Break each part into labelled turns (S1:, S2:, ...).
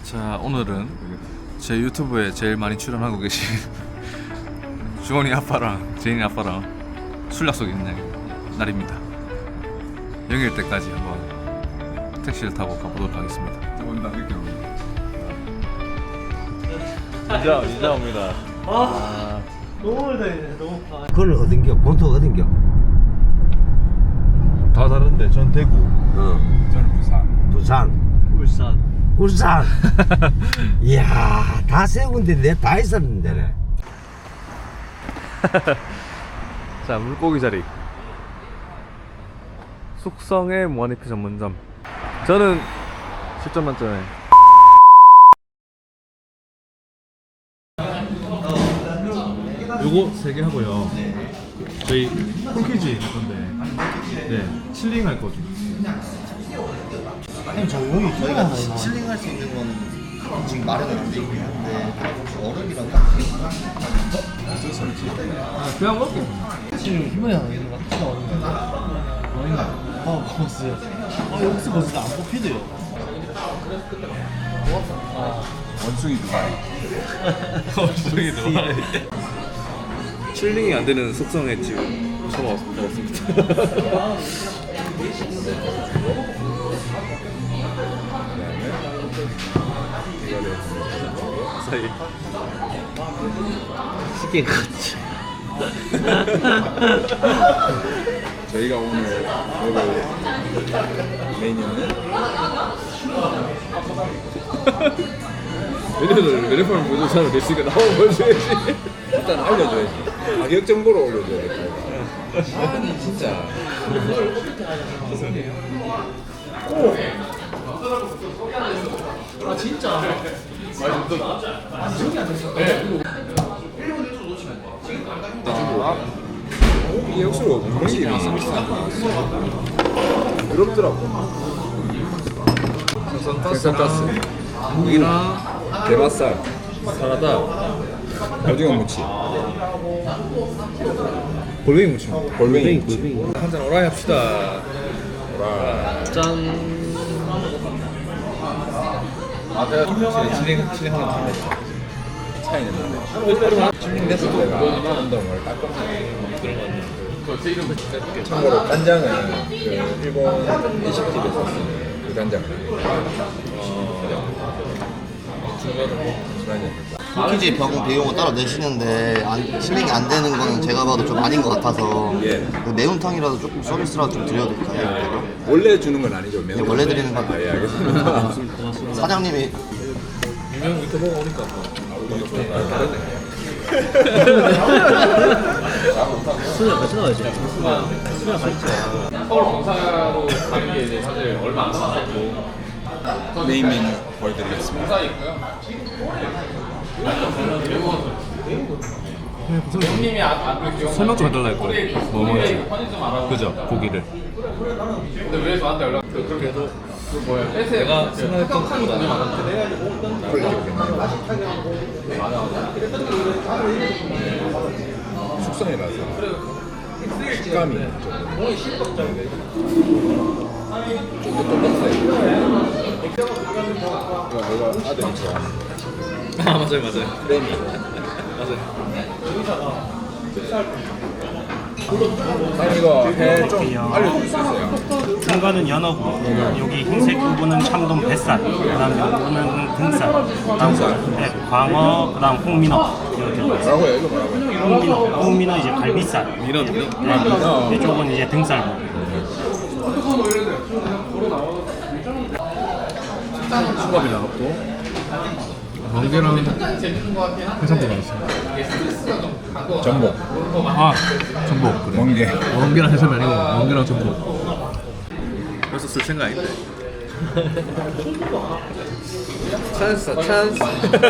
S1: 자, 오늘은 제 유튜브에 제일 많이 출연하고 계신 주원이 아빠랑 제인이 아빠랑 술 약속이 있는 날입니다. 영일 때까지 한번 택시를 타고 가보도록 하겠습니다.
S2: 온다 이렇게 옵니다.
S1: 이자 옵니다.
S3: 너무 멀다 이제 너무 파.
S4: 그걸 어딘겨? 본토 어딘겨?
S1: 다 다른데 전 대구.
S2: 저는 부산.
S4: 부산.
S3: 울산.
S4: 울산. 이야, 다 세 군데 내 다 있었는데.
S1: 자, 물고기 자리. 숙성의 무한리필 전문점. 저는 10점 만점에 요거 3개 하고요. 저희 폴키지 할 건데, 네, 칠링 할 거죠.
S3: 아니 저 여기
S5: 저희가 칠링할 수 있는 건 지금 마련은 안 돼 있긴 한데 얼음이랑 같이
S1: 그냥 먹게.
S3: 지금 희망이 형 이거 막 나오는데. 아닌가? 먹었어요. 여기서 벌써 안 뽑히대요.
S2: 원숭이 두 마리.
S1: 원숭이도. 칠링이 안 되는 숙성의 지금 처음 먹었습니다. 사이.
S3: 쉽게 갔지.
S2: 저희가 오늘 먹을 메뉴는
S1: 메뉴판을 보여줬잖아. 됐으니까 나오고 보여줘야지.
S2: 일단 알려줘야지. 가격 정보를 올려줘야 돼. 아니 진짜. 이게 역시로 분위기랑 서비스한 거 나왔어. 부럽더라고. 생선가스,
S1: 고기랑
S2: 대맛살,
S1: 사라다,
S2: 오징어 무치,
S1: 골뱅이 무침.
S2: 골뱅이.
S1: 한잔 오라이 합시다. 짠.
S2: 아, 내가
S1: 칠링 하나 더.
S2: 차이는 나네. 칠링됐을 때가 한동을 깔끔하게. 참고로 간장은 그 일본 일식집에서 쓰는 그 간장을.
S5: 폴키지 병 비용을 따로 내시는데 칠링이 안 되는 거는 제가 봐도 좀 아닌 것 같아서
S2: 예.
S5: 그 매운탕이라도 조금 서비스라도 좀 드려도 될까요?
S2: 원래 주는 건 아니죠?
S5: 네, 원래 드리는 건
S2: 아, 예, 알겠습니다.
S5: 사장님이
S1: 유명 밑에 먹어보니까 다르네.
S3: 술을 같이 나와야지. 술이랑 같이 자.
S1: 서울 검사로 가는 게 이제 사실 얼마 안 남았고
S2: 메인 메뉴 보여드리겠습니다.
S1: 설명 좀 해달라 했거든. 뭐 먹는지. 그죠? 고기를. 근데 왜 저한테 연락? 그렇게 해도 내가 생각했던 것보다는
S2: 숙성이라서 식감이 이거 내가 아들이 좋아하는
S1: 아, 맞아요.
S2: 크래미. 사장님 이거 회 좀 알려줄 수 있어요?
S6: 중간은 연어고 여기 흰색 부분은 참돔 뱃살, 그다음 연구는 등살, 그다음 네, 광어, 그다음 홍민어 이렇게 있어요.
S2: 뭐라고요? 이거 뭐라고요?
S6: 홍민어 이제 갈비살,
S1: 민어.
S6: 네, 이쪽은 이제 등살.
S1: 수갑이 나갔고 멍게랑 해산도 나왔어요.
S2: 전복,
S1: 아, 전복. 그래.
S2: 멍게.
S1: 멍게랑 해삼이 아니고 멍게랑 전복. 벌써 쓸 생각 아닌데. 찬스.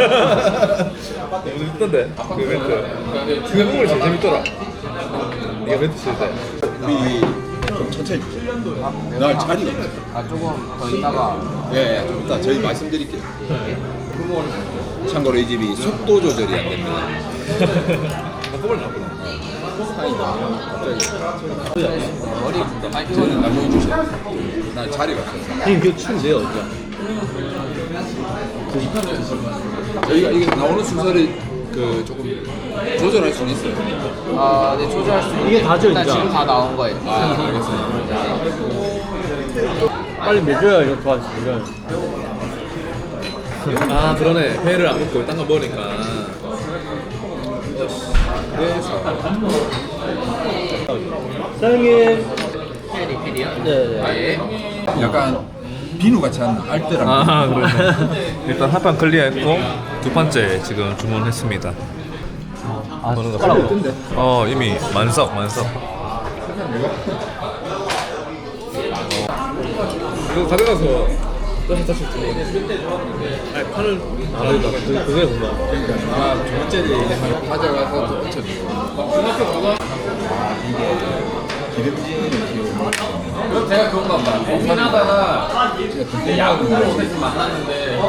S1: 너무 재밌던데 그 멘트. 그 부분이 제일 재밌더라. 이게 멘트 쓸 때.
S2: 우리 좀 천천히 주세요. 나 자리가 없어.
S5: 조금 더 있다가
S2: 예, 좀 이따 저희 말씀드릴게요. 참고로 이 집이 속도 조절이 안 됩니다.
S1: 뽑을 나구나.
S2: 갑자기 저는 남용이 주세요. 나 자리가 없어서.
S3: 형님 그 추운데요, 어디야?
S2: 저희가 이게 나오는 순서를 그 조금 조절할 수는 있어요.
S7: 아, 네, 조절할 수 있는
S3: 이게 다죠,
S7: 일단
S3: 진짜?
S7: 지금 다 나온 거예요.
S2: 아, 알겠습니다.
S3: 빨리 먹여야 이거 좋아하시죠.
S1: 아 그러네. 회를 안 먹고 딴 거 먹으니까.
S3: 사장님.
S7: 피디요?
S3: 네.
S2: 약간 비누 같이 한 알뜰한.
S1: 아 그러네. 일단 한 판 클리어했고 두 번째 지금 주문했습니다.
S3: 아,
S1: 먹는 거
S3: 숟가락으로.
S1: 이미 만석. 이거 가져가서 다시 주문. 아니 판을
S3: 그게 궁금해.
S2: 그러니까 두 번째를 가져가서 또 붙여주고.
S1: 그럼 제가 그런가 봐. 고민하다가 야구를 못했으면 만났는데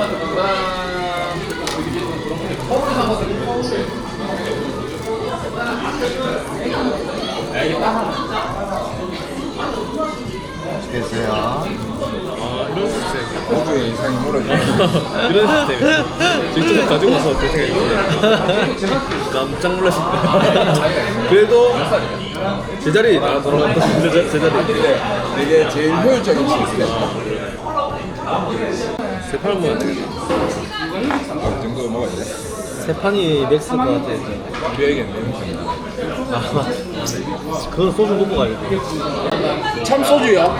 S5: 맛있겠어요.
S2: 호주의 이상이 몰아주고.
S1: 이런 시스템이야. 직접 가지고 와서 어떻게 생각해? 깜짝 놀랐을 거야. 그래도 제자리 나 돌아갔다. 제자리.
S2: 이게 제일 효율적인 시스템.
S1: 세 판을 먹어야 되겠네.
S2: 이 정도 먹어야 돼.
S3: 세 판이 맥스일 것 같아, 이제.
S2: 우리에게는
S3: 아, 그건 소주 먹고 가야겠다.
S2: 참소주요?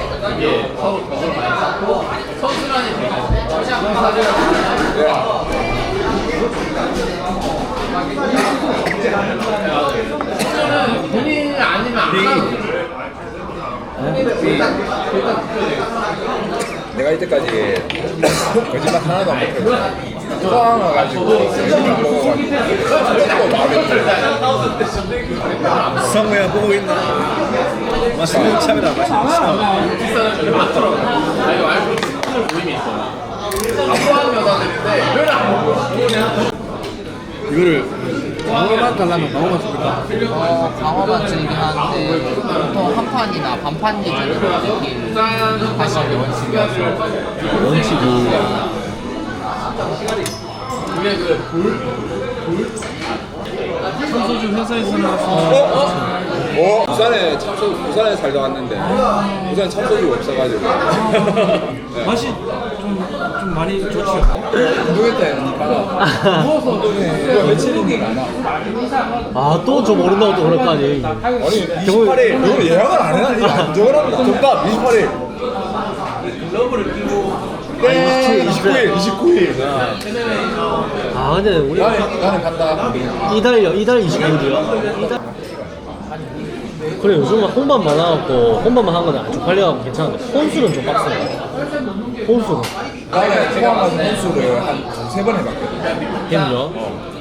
S7: 본인 아니면 안 가도
S2: 내가 이때까지 거짓말 하나도 안 먹고 포항 와가지고 음식을 먹어가지고 또 마음에 들어.
S1: 성우야 보고 있나? 맛있는 참이다. 맛있는 참. 이거를 광어만 달라면 광어만 씁니까?
S7: 방어만 드리긴 하는데 보통 한 판이나 반판 기준으로 이렇게 하시는 게 원칙이어서
S3: 소주 회사에서 나와서.
S2: 부산에 참소 부산에 살다 왔는데 부산에 참소주가 없어가지고
S3: 맛이 좀 많이 좋죠.
S2: 모르겠다니까 이거 며칠인지 안 와.
S3: 아, 또 저 모른다고 또 그럴 거 아니.
S2: 아니 28일 이거 예약을 안 해놨는데 안 적어놨나? 정답 28일 네 29일
S3: 아, 근데 우리
S2: 나는 간다.
S3: 이달 29일이요? 그래, 요즘은 홍반 많아갖고 홍반만 한 거는 안 쪽팔려갖고 괜찮은데 혼술은 좀 빡세요. 혼술은
S2: 나는 포항 가서 혼수를 한 2-3번 해봤거든.
S3: 걔는요?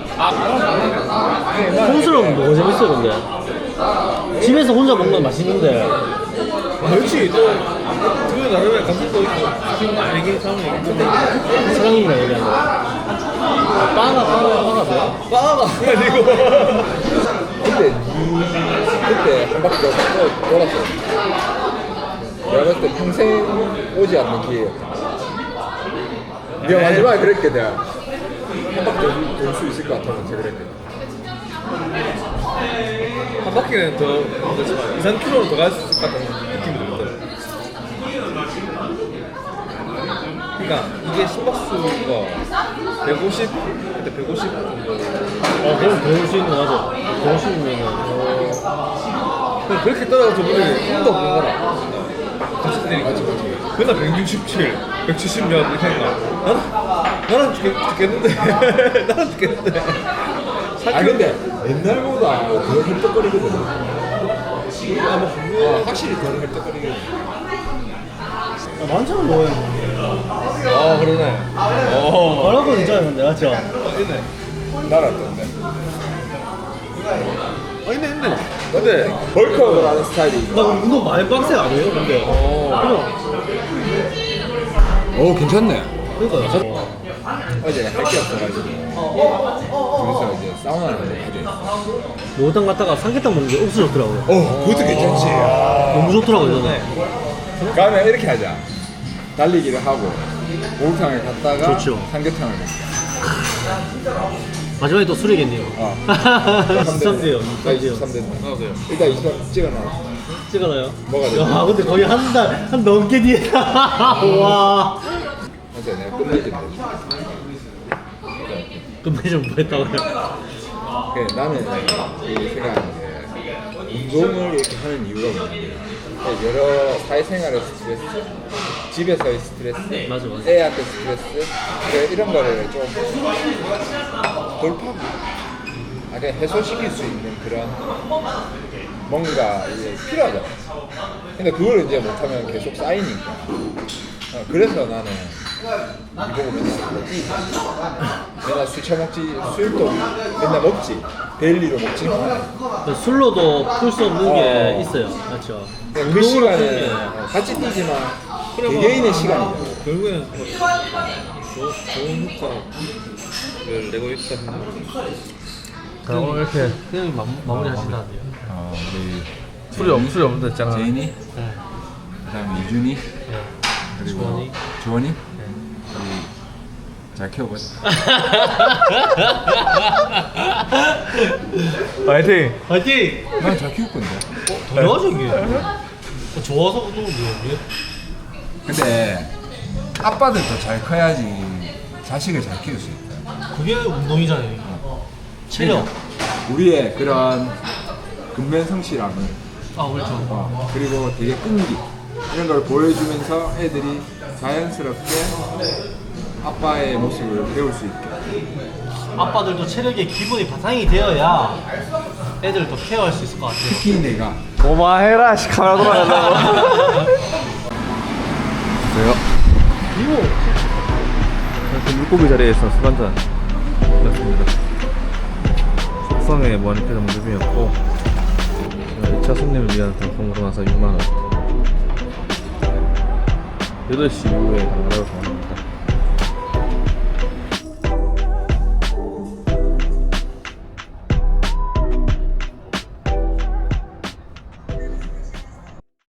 S3: 혼술은 뭐가 재밌어요 근데? 집에서 혼자 먹는 건 맛있는데
S1: 그렇지. 그 나름의 감성도 있고 얘기 상황이 있는데
S3: 사장님이랑 얘기하는 거 빠가 돼요?
S1: 빠가 아니고
S2: 그때 한 바퀴 돌았어. 내가 봤을 때 평생 오지 않는 기회였다. 네가 마지막에 그랬게 내가 한 바퀴 돌 수 있을 것 같아서 그랬거든.
S1: 한 바퀴는 더 2-3km로 더 갈 수 있을 것 같은 느낌이 들거든. 그러니까 이게 심박수가 150 그때 150 정도.
S3: 그럼 배울 수 있는 거 맞아. 배우시면은
S1: 그렇게 따라가서 저번에 힘도 없는 거라. 같이 뛰니까 그날 167, 170몇 이렇게 했나? 나는 죽겠는데. 나는 죽겠는데.
S2: 아 근데 옛날보다 덜 헐떡거리거든. 확실히 덜 헐떡거리거든.
S3: 많잖아 뭐예요.
S1: 그러네.
S3: 뭐라고 있잖아요 근데 맞죠?
S1: 있네.
S2: 날았던데.
S1: 있네. 근데
S2: 벌크업을 하는 스타일이.
S3: 나 운동 많이 빡세 아니에요 근데?
S2: 오 괜찮네.
S3: 그러니까요.
S2: 어제 할 게 없어가지고 그래서 이제 사우나를 하지.
S3: 목욕탕 갔다가 삼계탕 먹는 게 없어졌더라고요.
S2: 그것도 괜찮지.
S3: 너무 좋더라고요 저는.
S2: 그러면 이렇게 하자. 달리기를 하고 목욕탕을 갔다가
S3: 좋죠.
S2: 삼계탕을 먹자.
S3: 마지막에 또 술이겠네요. 23대요.
S2: 나
S3: 23대요.
S2: 23대. 일단 23 찍어놔.
S3: 찍어놔요?
S2: 뭐가 돼?
S3: 야, 근데 거의 한 넘게 뒤에. 와.
S2: 맞아, 내가 끝내준다.
S3: 금메달 뭐 했다고요?
S2: 그래, 나는 이 생각하는 게 운동을 이렇게 하는 이유가 뭐냐면 여러 사회생활의 스트레스, 집에서의 스트레스,
S3: 맞아, 맞아.
S2: 애한테 스트레스 이런 거를 좀 돌파, 그냥 해소시킬 수 있는 그런 뭔가 이제 필요하잖아. 근데 그걸 이제 못하면 계속 쌓이니까. 그래서 나는 이보고 맨날 뭐지? 맨날 술 처먹지, 술도 맨날 먹지. 데일리로 먹지는 않아.
S3: 술로도 풀 수 없는 게 있어요. 맞죠?
S2: 그
S3: 운동으로
S2: 시간은
S3: 푸는 게.
S2: 같이 뛰지만 개개인의 시간이잖아.
S1: 결국에는 좋은 효과를 내고 있다는
S3: 자, 오늘 이렇게 그냥 마무리 하신다는데요.
S1: 우리
S8: 술이 없는데 있잖아.
S1: 제인이,
S3: 네.
S1: 그다음에 이준이,
S3: 네.
S1: 그리고
S3: 주원이.
S1: 주원이, 우리 잘 키워보자.
S8: 파이팅.
S3: 화이팅!
S1: 난 잘 키울 건데.
S3: 당연하죠, 이게. 좋아서 운동을 해요.
S1: 근데 아빠들도 잘 커야지 자식을 잘 키울 수 있다.
S3: 그게 운동이잖아요. 체력.
S2: 우리의 그런 근면성실함을
S3: 그렇죠.
S2: 그리고 되게 끈기 이런 걸 보여주면서 애들이 자연스럽게 아빠의 모습을 배울 수 있게.
S3: 아빠들도 체력의 기본이 바탕이 되어야 애들을 더 케어할 수 있을 것 같아요.
S2: 특히 내가
S8: 고마해라. 씨 카메라 돌아가려고.
S1: 그래요?
S3: 이거
S8: 이렇게 물고기 자리에서 술 한잔 했습니다. 숙성에 머니패드 무릎이었고 2차 손님을 위한 방송으로 나서 6만원 8시 이후에 당근하러 가봅니다.